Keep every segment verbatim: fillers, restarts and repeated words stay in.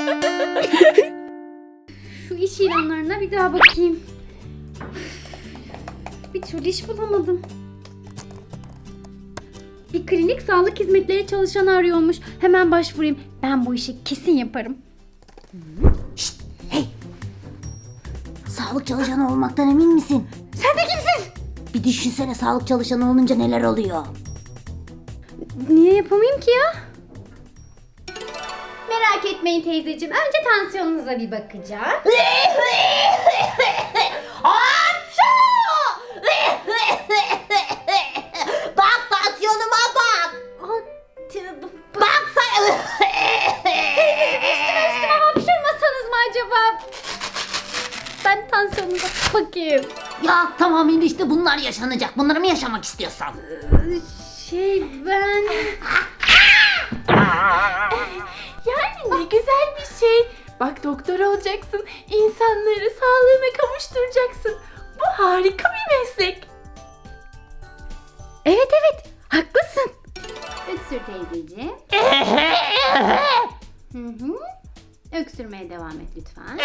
Şu iş ilanlarına bir daha bakayım. Bir türlü iş bulamadım. Bir klinik sağlık hizmetleri çalışanı arıyormuş. Hemen başvurayım. Ben bu işi kesin yaparım. Şşt, hey! Sağlık çalışanı olmaktan emin misin? Sen de kimsin? Bir düşünsene, sağlık çalışanı olunca neler oluyor. Niye yapamayayım ki ya? Merak etmeyin teyzeciğim. Önce tansiyonunuza bir bakacağım. Bak, tansiyonuma bak. Bak sen. Üstüme üstüme hapşırmasanız mı acaba? Ben tansiyonunuza bakayım. Ya tamam, işte bunlar yaşanacak. Bunları mı yaşamak istiyorsan? Şey ben... Yani ne güzel bir şey. Bak, doktor olacaksın. İnsanları sağlığına kavuşturacaksın. Bu harika bir meslek. Evet evet haklısın. Öksür teyzeciğim. Hı hı. Öksürmeye devam et lütfen.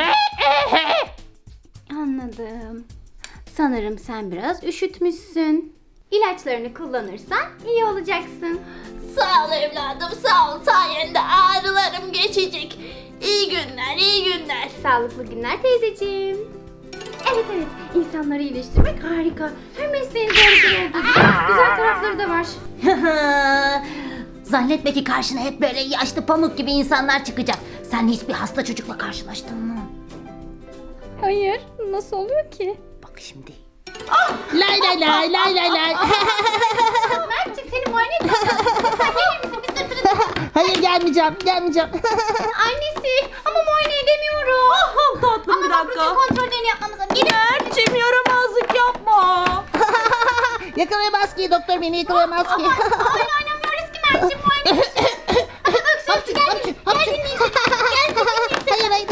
Anladım. Sanırım sen biraz üşütmüşsün. İlaçlarını kullanırsan iyi olacaksın. Sağ ol evladım, sağ ol. Sayende ağrılarım geçecek. İyi günler, iyi günler. Sağlıklı günler teyzeciğim. Evet evet insanları iyileştirmek harika. Her mesleğin zorlukları olduğu gibi güzel tarafları da var. Zannetme ki karşına hep böyle yaşlı pamuk gibi insanlar çıkacak. Sen hiçbir hasta çocukla karşılaştın mı? Hayır nasıl oluyor ki? Bak şimdi. Lay lay lay lay lay lay. Mert'ciğim seni muayene etmem lazım. Sen gelir misin bir sırtını? Hayır, gelmeyeceğim, gelmeyeceğim. Annesi ama muayene edemiyorum. Ah tatlım, bir Ama dakika. rutin kontrollerini yapmamız lazım. Gelir misin? Mert'cim, yaramazlık yapma. Yakalayamaz ki, doktor beni yakalayamaz ki. Oyun oynamıyoruz ki Mert'ciğim muayene edeceğiz. Öksür gel. Gel dinleyin. Hayır, hayır.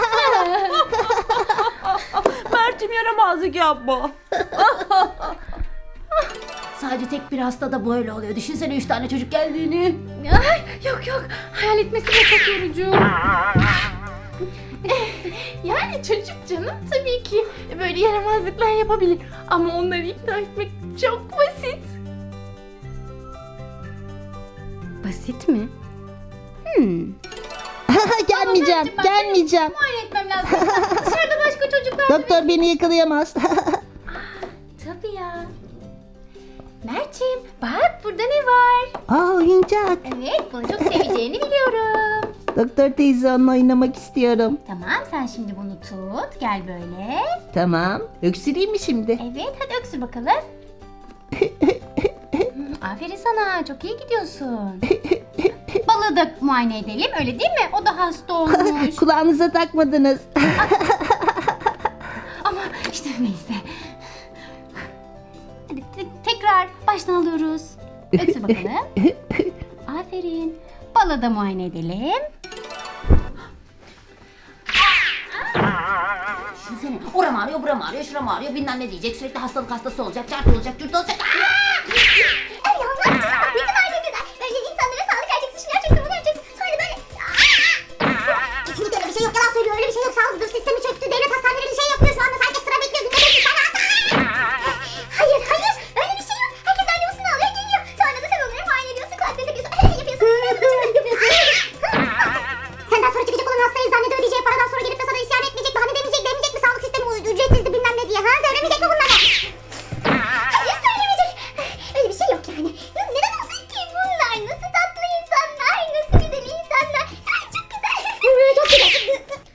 Mert'cim, yaramazlık yapma. Sadece tek bir hastada böyle oluyor. Düşünsene üç tane çocuk geldiğini. Ay, yok yok hayal etmesi de çok yorucu. Yani çocuk canım, tabii ki böyle yaramazlıklar yapabilir. Ama onları ikna etmek çok basit. Basit mi? Hmm. Gelmeyeceğim, ben- gelmeyeceğim. Muayene etmem lazım. Dışarıda başka çocuklar. Doktor beni yakalayamaz. Tabii ya. Mert'ciğim bak burada ne var? Aa, oyuncak. Evet bunu çok seveceğini biliyorum. Doktor teyze, onunla oynamak istiyorum. Tamam sen şimdi bunu tut. Gel böyle. Tamam. Öksüreyim mi şimdi? Evet hadi öksür bakalım. Hmm, aferin sana çok iyi gidiyorsun. Balığı da muayene edelim öyle değil mi? O da hasta olmuş. Kulağınıza takmadınız. Ama işte neyse. Hadi te- tekrar baştan alıyoruz. Öksür bakalım. Aferin. Balığı da muayene edelim. Düşünsene, oram ağrıyor, buram ağrıyor, şuram ağrıyor, bilmem ne diyecek, sürekli hastalık hastası olacak, çarpı olacak, cürt olacak. Ay Allah, ne kadar ne güzel. Böyle insanlara sağlık vereceksin, şunu yapacaksın, bunu yapacaksın. Sonra böyle... Kesinlikle öyle bir şey yok, yalan söylüyor, öyle bir şey yok. Sağlık sistemi çöktü, devlet hastaneleri bir şey yapıyor şu anda. Herkes sıra bekliyor, günde beş yüz tane hasta. Hayır, hayır, öyle bir şey yok. Herkes randevusunu alıyor, geliyor. Sonra da sen onları muayene ediyorsun, kulaklarını takıyorsun, yapıyorsun, yapıyorsun. Senden sonra çıkacak olan hastayı zannede ödeyeceği paradan sonra gelip de sana isyan etmeyecek, bahane demeyecek, demeyecek mi sağlık sistemi ücretsizdi bilmem ne diye, ha? Söylemeyecek mi bunları? Hayır, söylemeyecek. Öyle bir şey yok yani. Neden olsun ki bunlar? Nasıl tatlı insanlar, nasıl güzel insanlar. Ay çok güzel. Çok güzel.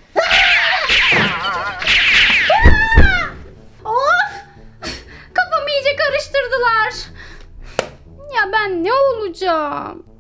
Of! Kafamı iyice karıştırdılar. Ya ben ne olacağım?